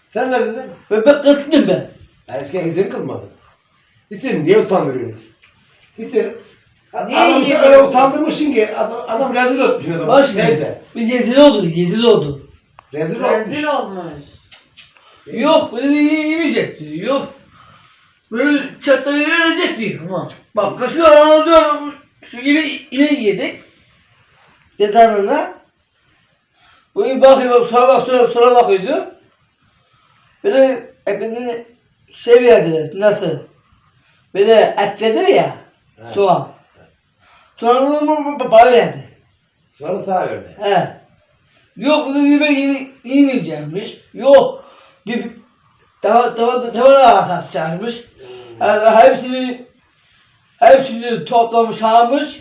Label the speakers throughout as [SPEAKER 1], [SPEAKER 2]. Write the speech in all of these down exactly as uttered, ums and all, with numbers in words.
[SPEAKER 1] Sen ne dedin?
[SPEAKER 2] Ben, ben kızdım ben.
[SPEAKER 1] Erken seni kızmadın. Hüseyin niye utandırıyorsunuz? Hüseyin
[SPEAKER 3] Niye
[SPEAKER 1] adamı
[SPEAKER 3] yiyor?
[SPEAKER 1] öyle utandırmışsın ki adam, adam rezil etmişsin adamı.
[SPEAKER 2] Baş mı?
[SPEAKER 1] Neyse.
[SPEAKER 2] Bir yedili oldu, yedili oldu.
[SPEAKER 1] Rezil olmuş.
[SPEAKER 3] Rezil olmuş.
[SPEAKER 2] Yok, böyle yemeyecek diyor. Yok. Böyle çatlayı ölecek diyor. Ama bak kaşığı aranı diyorum. Şu gibi yemek yedik. Dedanına. Bu bakıyor, sonra bak, sonra, sonra bakıyordu. Böyle hepini şey verdiler, nasıl? Böyle et verir ya,
[SPEAKER 1] He.
[SPEAKER 2] soğan. Sonra bunu bana verdi.
[SPEAKER 1] Sonra sağ verdi.
[SPEAKER 2] He. Yok bunu yemek yeme, yemeyecekmiş. Yok. Bir tava tava tava atacakmış. Yani hepsini hepsini toplamış almış.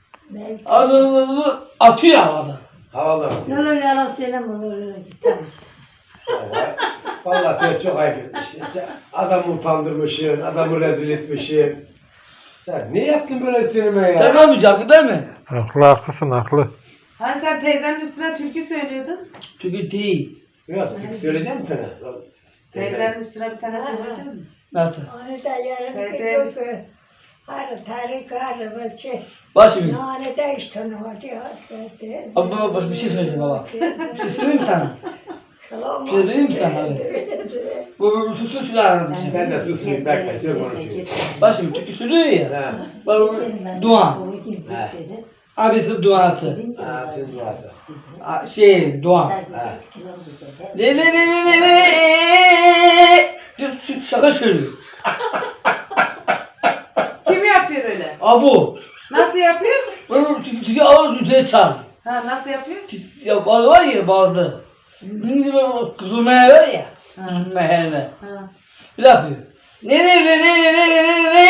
[SPEAKER 2] Adını atıyor havada.
[SPEAKER 1] Havalı.
[SPEAKER 4] Ne olur yalan söyleme olur. Tamam.
[SPEAKER 1] Vallahi, vallahi sen çok ayıp etmişsin. Adamı utandırmışsın, adamı rezil etmişsin. Sen ne yaptın böyle sinime ya?
[SPEAKER 2] Sen olmayacaksın değil mi?
[SPEAKER 5] Haklı haklısın haklı.
[SPEAKER 3] Hani sen teyzenin üstüne türkü söylüyordun.
[SPEAKER 2] Çünkü değil.
[SPEAKER 1] Yok, çünkü söyleyeceğim sana.
[SPEAKER 3] Teyzenin üstüne bir tane söyleyecek misin?
[SPEAKER 2] Nasıl?
[SPEAKER 4] Onu da yarın
[SPEAKER 3] Teyze.
[SPEAKER 4] bir yok. Harı tarih harı bölçe.
[SPEAKER 2] Bak şimdi.
[SPEAKER 4] Yani de işte ne var diyor. Hadi.
[SPEAKER 2] Baba baba bak, bir şey söyleyeceğim baba. Bir şey söyleyeyim mi sana?
[SPEAKER 4] Selam.
[SPEAKER 2] Bir şey söyleyeyim mi sana abi? Bu bu bu susun şuna bir şey.
[SPEAKER 1] Ben de susmayayım, bekle, sen konuşuyorsun.
[SPEAKER 2] Bak şimdi türkü söylüyor ya.
[SPEAKER 1] Ha,
[SPEAKER 2] Bak bu dua.
[SPEAKER 1] ha,
[SPEAKER 2] Abisi duası.
[SPEAKER 1] ha, sen duası.
[SPEAKER 2] A- Şey dua.
[SPEAKER 1] Ha.
[SPEAKER 2] Le le le le le le. Dur, şu- Şaka söylüyor.
[SPEAKER 3] Kim yapıyor öyle?
[SPEAKER 2] Abu.
[SPEAKER 3] Nasıl yapıyor?
[SPEAKER 2] Bunu türkü türkü ağır üzerine çağır.
[SPEAKER 3] Ha nasıl yapıyor?
[SPEAKER 2] Ya bazı var ya bazı. Şimdi böyle kızılmaya var ya. Kızılmaya.
[SPEAKER 3] Ha.
[SPEAKER 2] Bir de yapıyor. Ne ne ne ne ne ne ne ne.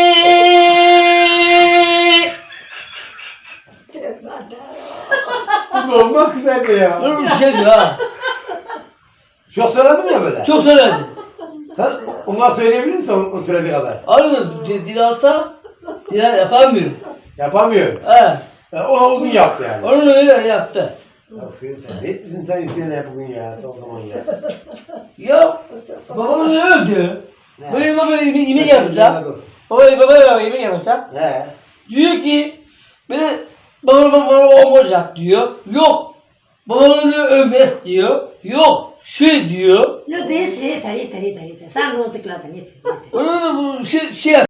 [SPEAKER 1] Bu da olmaz ki sende ya.
[SPEAKER 2] Böyle bir şey diyor ha.
[SPEAKER 1] Çok söyledim ya böyle.
[SPEAKER 2] Çok söyledi.
[SPEAKER 1] Sen ona söyleyebilir misin o, o söylediği kadar?
[SPEAKER 2] Arada dil alsa dil yapamıyor.
[SPEAKER 1] Yapamıyor.
[SPEAKER 2] He.
[SPEAKER 1] Yani ona uzun yaptı yani.
[SPEAKER 2] Onu öyle yaptı.
[SPEAKER 1] Ya Hüseyin sen ne etmişsin sen Hüseyin'e bugün ya son zaman ya.
[SPEAKER 2] Ya babam öldü.
[SPEAKER 1] Ne?
[SPEAKER 2] Böyle baba yemek yemek yapacak. Baba baba yemek yapacak.
[SPEAKER 1] He.
[SPEAKER 2] Diyor ki beni baba baba olmayacak diyor. Yok. Babanı övmez diyor. Yok. Şu diyor.
[SPEAKER 4] Ne diyorsun? Yeter yeter yeter yeter. Sen bozdukladan yeter. yeter.
[SPEAKER 2] Onu da bu şey, şey